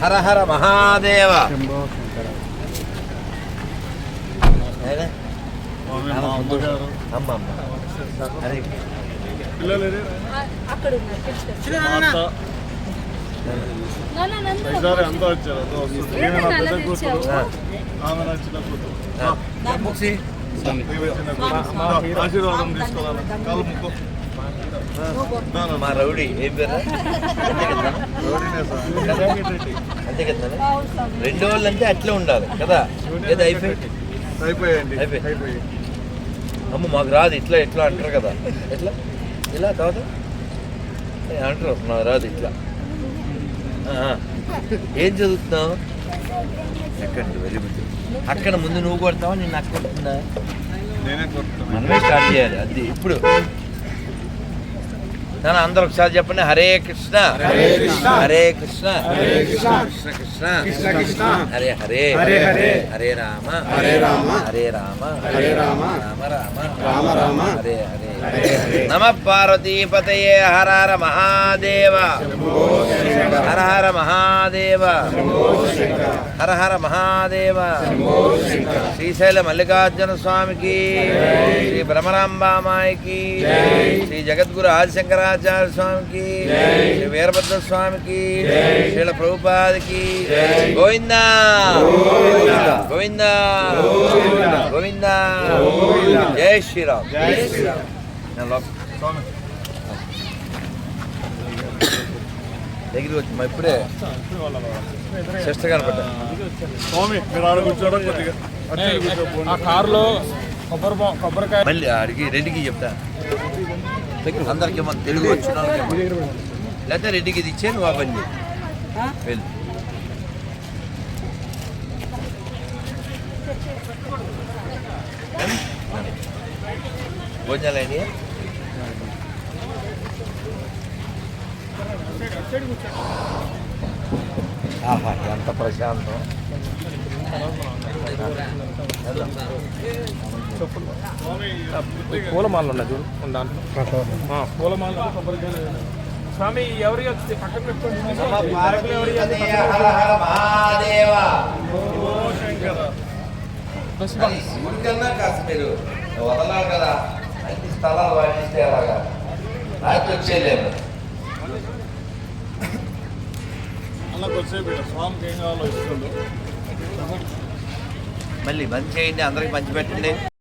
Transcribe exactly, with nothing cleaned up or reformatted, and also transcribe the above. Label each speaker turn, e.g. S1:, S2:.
S1: హర హర మహాదేవ.
S2: ఆశీర్వాదం తీసుకోవాలి. కాలు ముక్కు
S1: మా రౌడీ ఏం పేరు? అంతే కదా. రెండు వాళ్ళు అంటే అట్లే ఉండాలి కదా. ఏదో అయిపోయి
S2: అయిపోయాయండి.
S1: అయిపోయి అమ్మ మాకు రాదు ఇట్లా ఎట్లా అంటారు కదా. ఎట్లా ఇలా కాదు అంటారు, నాకు రాదు ఇట్లా. ఏం చదువుతున్నావు? ఎక్కండి వెరీ గుడ్. అక్కడ ముందు నువ్వు కొడతావా నేను అక్కడ కొడుతుందా?
S2: నేనే కొడుతున్నా.
S1: మనమే స్టార్ట్ చేయాలి అది ఇప్పుడు. నాన్న అందరూ ఒకసారి చెప్పండి. హరే కృష్ణ హరే కృష్ణ హరే కృష్ణ కృష్ణ కృష్ణ కృష్ణ హరే హరే హరే హరే హరే రామ హరే రామ హరే రామ హరే రామ రామ రామ రామ రామ హరే హరే నమ పార్వతీపతయే. హర హర మహాదేవ. హర హర మహాదేవ. హర హర మహాదేవ. శ్రీశైల మల్లికార్జున స్వామికి, శ్రీ బ్రహ్మరాంబామాయికి, శ్రీ జగద్గురు ఆదిశంకరాచార్య స్వామికి, శ్రీ వీరభద్ర స్వామికి, శ్రీల ప్రభుపాదికి. గోవిందా గోవిందా గోవిందా. జై శ్రీరామ్. దగ్గరికి వచ్చి మా ఇప్పుడే శిష్ట కనపడ్డా.
S2: స్వామి మీరు ఆడ కూర్చోవడం కొద్దిగా
S3: కారులో కొబ్బరి కొబ్బరికాయ
S1: మళ్ళీ అడిగి రెడ్డికి చెప్తా. అందరికి మన తెలుగు వచ్చిన లేకపోతే రెడ్డికి ఇది ఇచ్చే నువ్వు పని వెళ్ళి భోజనాలు అయినాయి. ఆహా ఎంత ప్రశాంతం.
S3: పూలమాలలు ఉన్నాయి చూడు దాంట్లో పూలమాల కొబ్బరికాయలు. స్వామి ఎవరికి వచ్చి పక్కన పెట్టుకోండి.
S1: ఊరికన్నా కాస్త మీరు వదలాలి కదా. అన్ని స్థలాలు వాడిస్తే అలాగా రాత్రి వచ్చేయలేము.
S2: అలా కొద్దిసేపు స్వామికి ఏం కావాలో ఇస్తుంది.
S1: మళ్ళీ మంచి చేయండి, అందరికి మంచి పెట్టండి.